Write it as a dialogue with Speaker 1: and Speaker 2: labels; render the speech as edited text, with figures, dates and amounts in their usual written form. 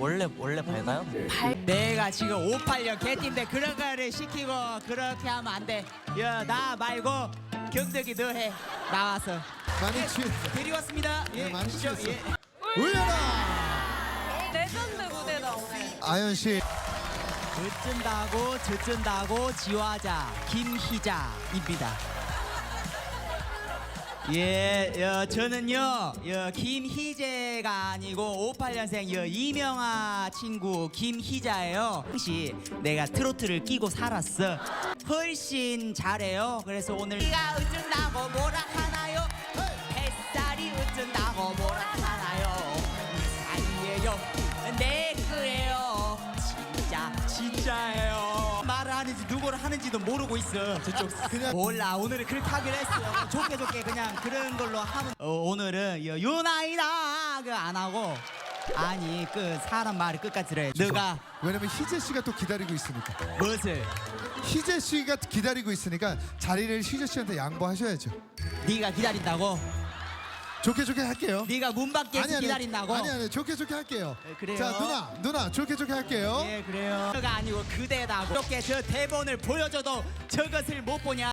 Speaker 1: 원래 밝아요?
Speaker 2: 내가 지금 586 개띠인데 그런 거를 시키고 그렇게 하면 안 돼. 야, 나 말고 경덕이 너 해. 나와서.
Speaker 3: 많이 취.
Speaker 2: 데려왔습니다. 예,
Speaker 3: 많이
Speaker 2: 시죠.
Speaker 3: 취했어.
Speaker 2: 예.
Speaker 3: 울려라.
Speaker 4: 레전드 무대다 오늘.
Speaker 3: 아연 씨.
Speaker 2: 듣준다고 지화자 김희자입니다. 예, 저는요, 김희재가 아니고 58년생 이명아 친구 김희자예요. 혹시 내가 트로트를 끼고 살았어. 훨씬 잘해요. 그래서 오늘 네가 어쩐다고 뭐라 하나요? 햇살이 어쩐다고 뭐라 하나요? 아니에요, 내 거예요. 진짜예요. 말을 하는지 누구를 하는지도 모르고 있어. 저쪽
Speaker 3: 그냥-
Speaker 2: 몰라. 오늘은 그렇게 하기로 했어. 좋게 그냥 그런 걸로 하면. 오늘은 유나이다 그 안 하고. 아니 그 사람 말을 끝까지 들어야 돼. 너가
Speaker 3: 왜냐면 희재 씨가 또 기다리고 있으니까.
Speaker 2: 무엇을?
Speaker 3: 희재 씨가 기다리고 있으니까 자리를 희재 씨한테 양보하셔야죠.
Speaker 2: 네가 기다린다고?
Speaker 3: 좋게 할게요.
Speaker 2: 네가 문 밖에서 기다린다고?
Speaker 3: 아니 좋게 할게요.
Speaker 2: 네, 그래요.
Speaker 3: 자 누나 좋게 할게요.
Speaker 2: 예, 그래요. 가 아니고 그대다고. 이렇게 저 대본을 보여줘도 저것을 못 보냐?